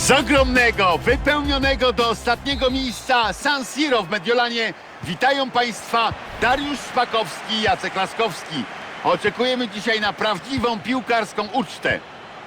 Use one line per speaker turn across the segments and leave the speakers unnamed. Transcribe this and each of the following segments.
Z ogromnego, wypełnionego do ostatniego miejsca San Siro w Mediolanie witają Państwa Dariusz Szpakowski i Jacek Laskowski. Oczekujemy dzisiaj na prawdziwą piłkarską ucztę.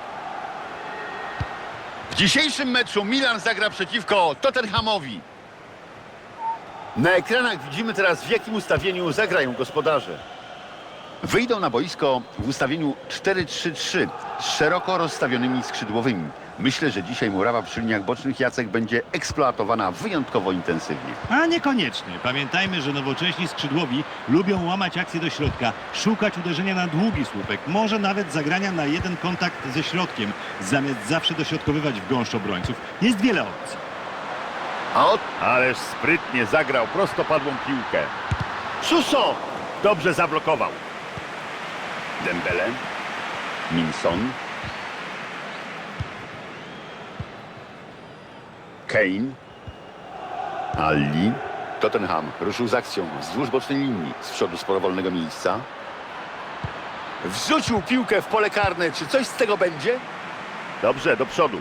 W dzisiejszym meczu Milan zagra przeciwko Tottenhamowi. Na ekranach widzimy teraz, w jakim ustawieniu zagrają gospodarze. Wyjdą na boisko w ustawieniu 4-3-3 z szeroko rozstawionymi skrzydłowymi. Myślę, że dzisiaj murawa przy liniach bocznych, Jacek, będzie eksploatowana wyjątkowo intensywnie.
A niekoniecznie. Pamiętajmy, że nowocześni skrzydłowi lubią łamać akcję do środka, szukać uderzenia na długi słupek, może nawet zagrania na jeden kontakt ze środkiem, zamiast zawsze dośrodkowywać w gąszcz obrońców. Jest wiele opcji.
Ależ sprytnie zagrał prostopadłą piłkę. Suso! Dobrze zablokował. Dembele. Minson. Kane. Ali. Tottenham ruszył z akcją wzdłuż bocznej linii. Z przodu sporo wolnego miejsca. Wrzucił piłkę w pole karne. Czy coś z tego będzie? Dobrze, do przodu.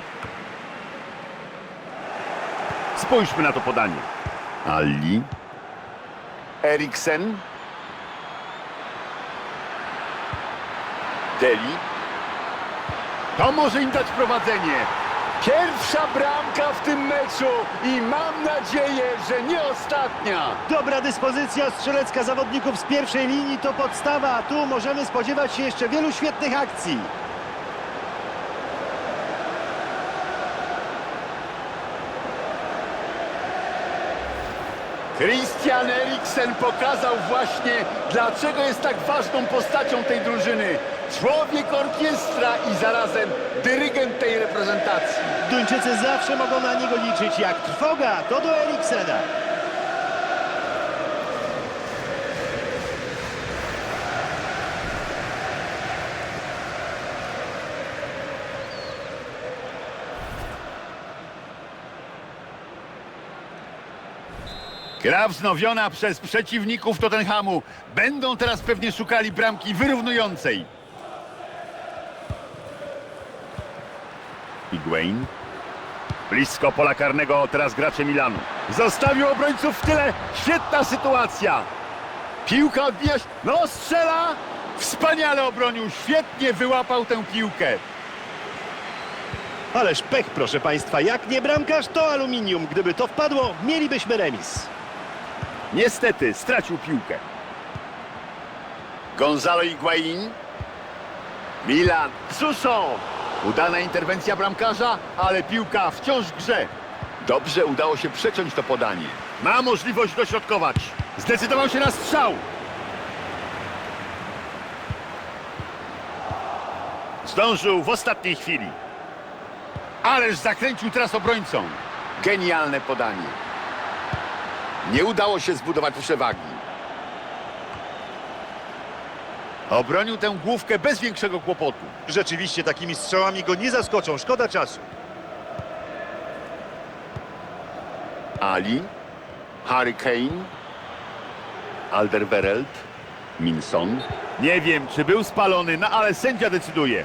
Spójrzmy na to podanie. Ali. Eriksen. Deli. To może im dać prowadzenie. Pierwsza bramka w tym meczu i mam nadzieję, że nie ostatnia.
Dobra dyspozycja strzelecka zawodników z pierwszej linii to podstawa, a tu możemy spodziewać się jeszcze wielu świetnych akcji.
Christian Eriksen pokazał właśnie, dlaczego jest tak ważną postacią tej drużyny. Człowiek orkiestra i zarazem dyrygent tej reprezentacji.
Duńczycy zawsze mogą na niego liczyć. Jak trwoga, to do Eriksena.
Gra wznowiona przez przeciwników Tottenhamu. Będą teraz pewnie szukali bramki wyrównującej. Higuain. Blisko pola karnego teraz gracze Milanu. Zostawił obrońców w tyle. Świetna sytuacja. Piłka odbija się. No, strzela. Wspaniale obronił. Świetnie wyłapał tę piłkę.
Ależ pech, proszę Państwa. Jak nie bramkarz, to aluminium. Gdyby to wpadło, mielibyśmy remis.
Niestety stracił piłkę. Gonzalo Higuain. Milan. Suso. Udana interwencja bramkarza, ale piłka wciąż w grze. Dobrze udało się przeciąć to podanie. Ma możliwość dośrodkować. Zdecydował się na strzał. Zdążył w ostatniej chwili. Ależ zakręcił teraz obrońcą. Genialne podanie. Nie udało się zbudować przewagi. Obronił tę główkę bez większego kłopotu.
Rzeczywiście takimi strzałami go nie zaskoczą. Szkoda czasu.
Ali. Harry Kane. Alderweireld. Minson. Nie wiem, czy był spalony, no ale sędzia decyduje.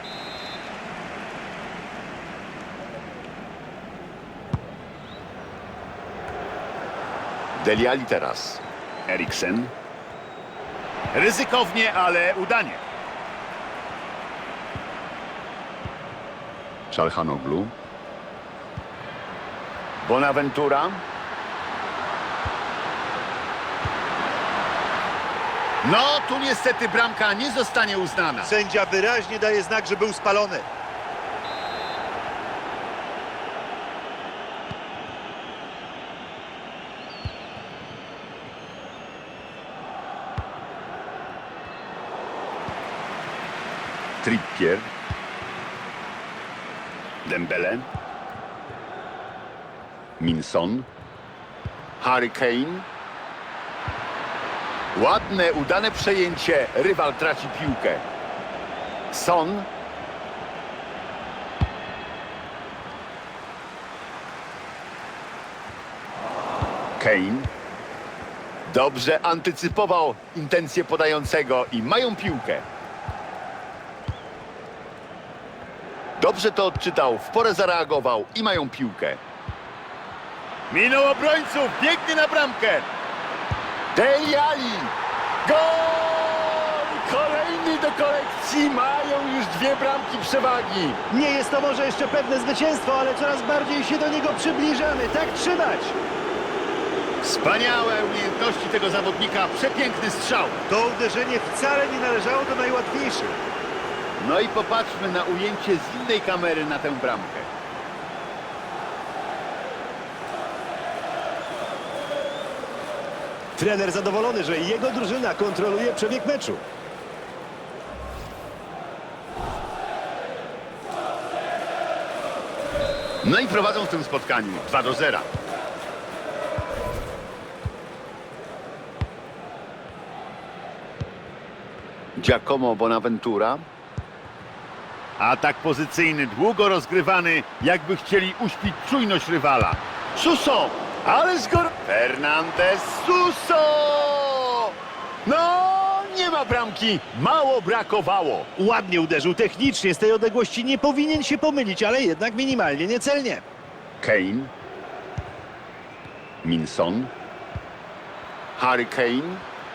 Dele Alli teraz. Eriksen. Ryzykownie, ale udanie. Çalhanoğlu. Bonaventura. No, tu niestety bramka nie zostanie uznana.
Sędzia wyraźnie daje znak, że był spalony.
Trippier. Dembele. Minson. Harry Kane. Ładne, udane przejęcie. Rywal traci piłkę. Son. Kane. Dobrze antycypował intencje podającego i mają piłkę. Dobrze to odczytał, w porę zareagował i mają piłkę. Minął obrońców, biegnie na bramkę. Dele Alli. Gol! Kolejny do kolekcji, mają już 2 bramki przewagi.
Nie jest to może jeszcze pewne zwycięstwo, ale coraz bardziej się do niego przybliżamy. Tak trzymać!
Wspaniałe umiejętności tego zawodnika, przepiękny strzał.
To uderzenie wcale nie należało do najłatwiejszych.
No i popatrzmy na ujęcie z innej kamery na tę bramkę.
Trener zadowolony, że jego drużyna kontroluje przebieg meczu.
No i prowadzą w tym spotkaniu 2-0. Giacomo Bonaventura. Atak pozycyjny, długo rozgrywany, jakby chcieli uśpić czujność rywala. Suso! Ale Fernandez Suso! No, nie ma bramki. Mało brakowało.
Ładnie uderzył technicznie, z tej odległości nie powinien się pomylić, ale jednak minimalnie niecelnie.
Kane. Minson. Harry Kane.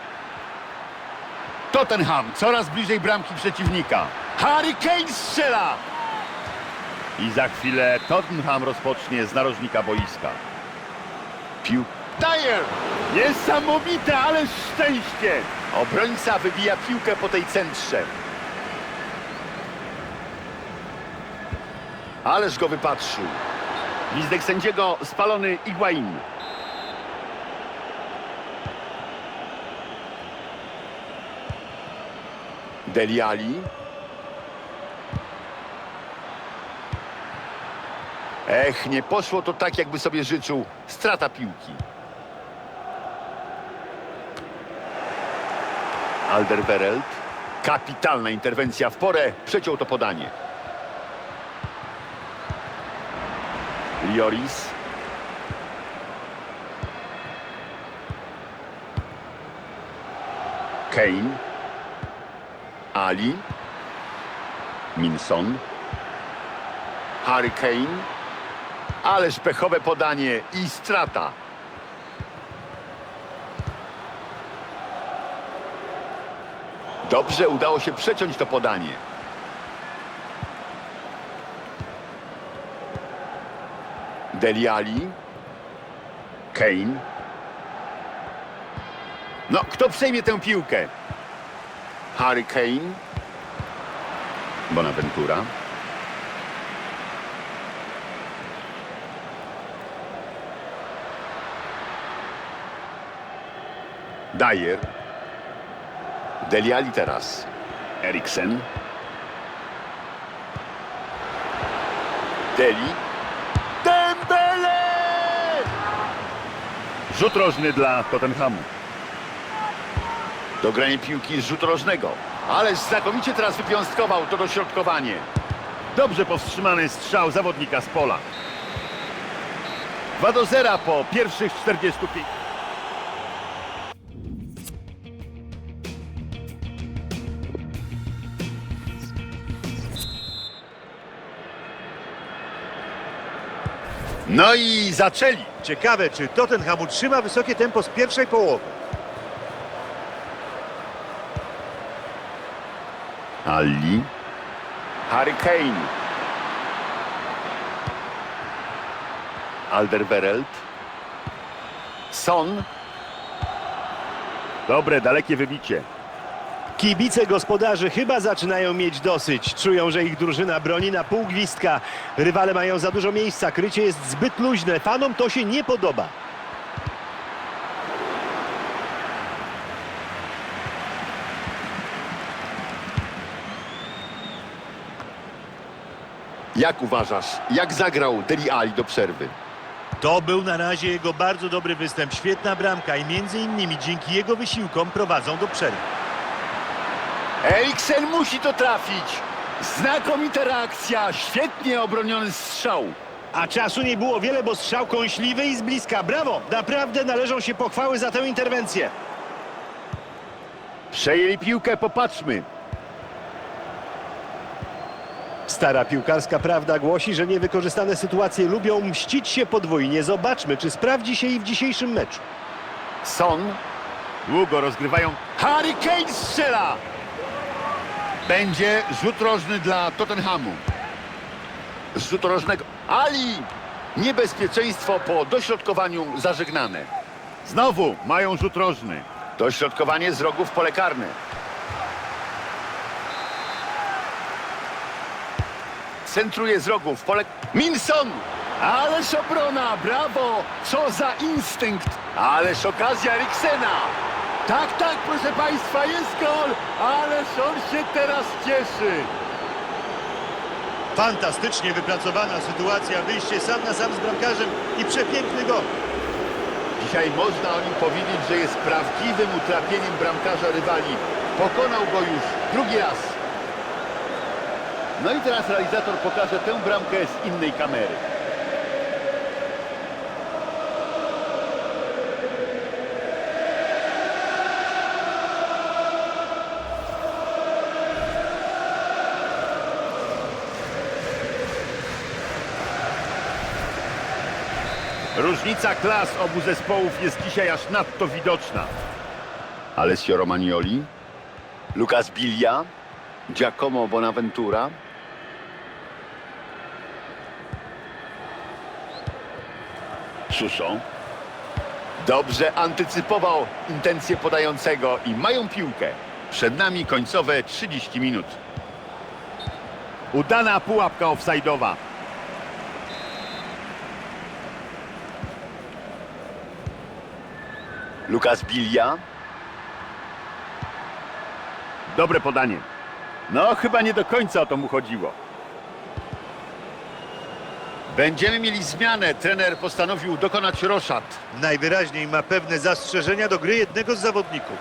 Tottenham coraz bliżej bramki przeciwnika. Harry Kane strzela! I za chwilę Tottenham rozpocznie z narożnika boiska. Dyer! Niesamowite, ale szczęście! Obrońca wybija piłkę po tej centrze. Ależ go wypatrzył. Gwizdek sędziego, spalony Higuain. Dele Alli. Ech, nie poszło to tak, jakby sobie życzył. Strata piłki. Alderweireld. Kapitalna interwencja w porę. Przeciął to podanie. Lloris. Kane. Ali. Minson. Harry Kane. Ależ pechowe podanie i strata. Dobrze udało się przeciąć to podanie. Dele Alli. Kane. No, kto przejmie tę piłkę? Harry Kane. Bonaventura. Dyer. Dele Alli teraz. Eriksen. Deli. Dembele! Rzut rożny dla Tottenhamu. Dogranie piłki z rzutu rożnego. Ależ znakomicie teraz wypiąstkował to dośrodkowanie. Dobrze powstrzymany strzał zawodnika z pola. 2-0 po pierwszych 45. No i zaczęli.
Ciekawe, czy Tottenham utrzyma wysokie tempo z pierwszej połowy.
Alli. Harry Kane. Alderweireld. Son. Dobre, dalekie wybicie.
Kibice gospodarzy chyba zaczynają mieć dosyć. Czują, że ich drużyna broni na pół gwizdka. Rywale mają za dużo miejsca, krycie jest zbyt luźne. Fanom to się nie podoba.
Jak uważasz, jak zagrał Dele Alli do przerwy?
To był na razie jego bardzo dobry występ. Świetna bramka i między innymi dzięki jego wysiłkom prowadzą do przerwy.
Eriksen musi to trafić. Znakomita reakcja, świetnie obroniony strzał.
A czasu nie było wiele, bo strzał kąśliwy i z bliska. Brawo! Naprawdę należą się pochwały za tę interwencję.
Przejęli piłkę, popatrzmy.
Stara piłkarska prawda głosi, że niewykorzystane sytuacje lubią mścić się podwójnie. Zobaczmy, czy sprawdzi się i w dzisiejszym meczu.
Son. Długo rozgrywają. Harry Kane strzela! Będzie rzut rożny dla Tottenhamu. Z rzutu rożnego Ali! Niebezpieczeństwo po dośrodkowaniu zażegnane. Znowu mają rzut rożny. Dośrodkowanie z rogu w pole karne. Centruje z rogu w pole... Minson! Ależ obrona, brawo! Co za instynkt! Ależ okazja Eriksena! Tak, tak, proszę Państwa, jest gol! Ależ on się teraz cieszy!
Fantastycznie wypracowana sytuacja, wyjście sam na sam z bramkarzem i przepiękny gol.
Dzisiaj można o nim powiedzieć, że jest prawdziwym utrapieniem bramkarza rywali. Pokonał go już drugi raz. No i teraz realizator pokaże tę bramkę z innej kamery. Różnica klas obu zespołów jest dzisiaj aż nadto widoczna. Alessio Romagnoli, Lucas Biglia, Giacomo Bonaventura. Suso. Dobrze antycypował intencje podającego i mają piłkę. Przed nami końcowe 30 minut. Udana pułapka offside'owa. Lucas Biglia. Dobre podanie. No, chyba nie do końca o to mu chodziło. Będziemy mieli zmianę. Trener postanowił dokonać roszad.
Najwyraźniej ma pewne zastrzeżenia do gry jednego z zawodników.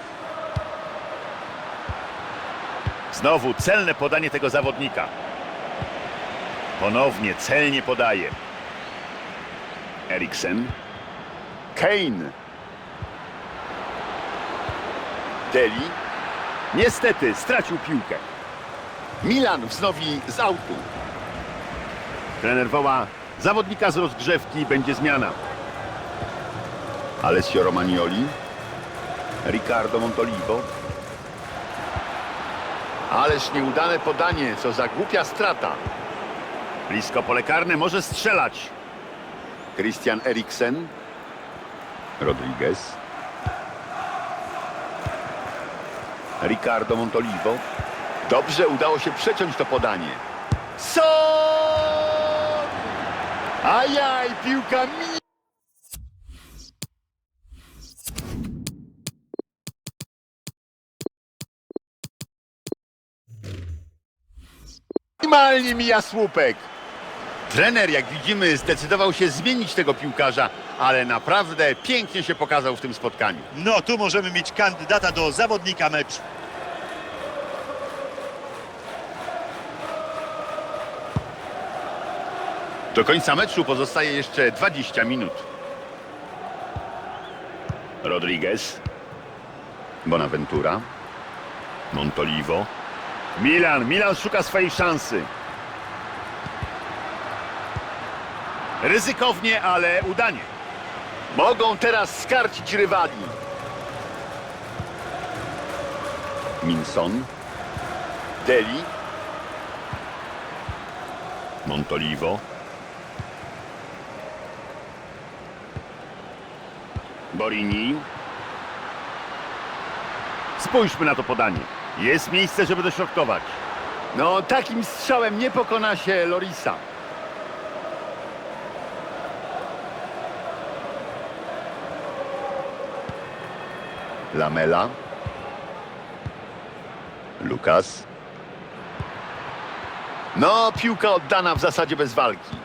Znowu celne podanie tego zawodnika. Ponownie celnie podaje. Eriksen. Kane. Deli. Niestety stracił piłkę. Milan wznowi z autu. Trener woła zawodnika z rozgrzewki, będzie zmiana. Alessio Romagnoli. Riccardo Montolivo. Ależ nieudane podanie, co za głupia strata. Blisko pole karne, może strzelać. Christian Eriksen. Rodriguez. Riccardo Montolivo. Dobrze udało się przeciąć to podanie. Son! Ajaj, piłka minimalnie mija słupek. Trener, jak widzimy, zdecydował się zmienić tego piłkarza, ale naprawdę pięknie się pokazał w tym spotkaniu.
No, tu możemy mieć kandydata do zawodnika meczu.
Do końca meczu pozostaje jeszcze 20 minut. Rodriguez. Bonaventura. Montolivo. Milan szuka swojej szansy. Ryzykownie, ale udanie. Mogą teraz skarcić rywali. Minson. Deli. Montolivo. Borini. Spójrzmy na to podanie. Jest miejsce, żeby dośrodkować. No, takim strzałem nie pokona się Lorisa. Lamela. Lucas. No, piłka oddana w zasadzie bez walki.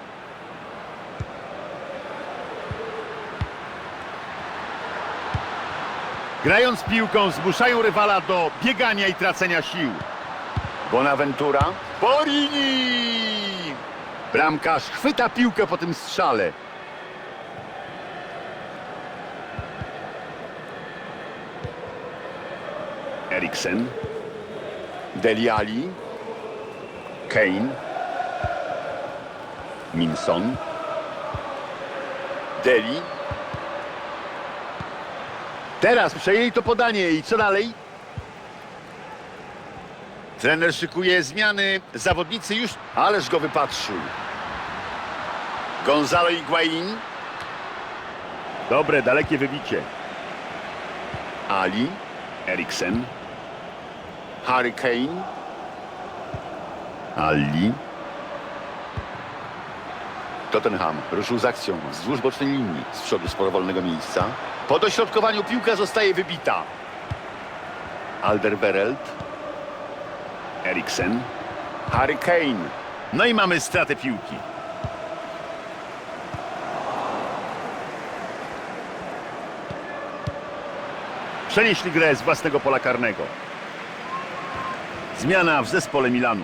Grając piłką zmuszają rywala do biegania i tracenia sił. Bonaventura. Borini! Bramkarz chwyta piłkę po tym strzale. Eriksen. Dele Alli. Kane. Minson. Deli. Teraz przejęli to podanie i co dalej? Trener szykuje zmiany. Zawodnicy już... Ależ go wypatrzył. Gonzalo Higuain. Dobre, dalekie wybicie. Ali. Eriksen. Harry Kane. Ali. Tottenham ruszył z akcją wzdłuż bocznej linii z przodu sporo wolnego miejsca. Po dośrodkowaniu piłka zostaje wybita. Alderweireld. Eriksen. Harry Kane. No i mamy stratę piłki. Przenieśli grę z własnego pola karnego. Zmiana w zespole Milanu.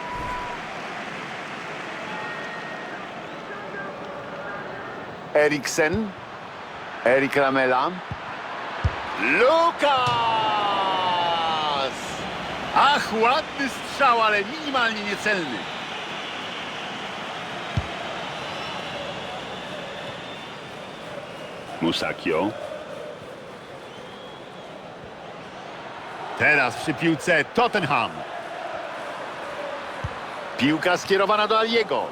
Eriksen. Erik Lamela. Lukas! Ach, ładny strzał, ale minimalnie niecelny. Musakio. Teraz przy piłce Tottenham. Piłka skierowana do Aliego.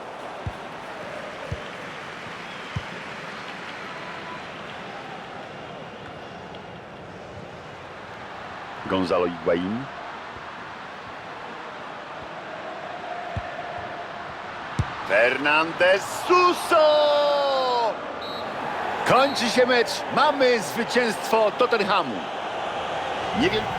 Gonzalo Higuain. Fernandez Suso! Kończy się mecz. Mamy zwycięstwo Tottenhamu. Nie wiem...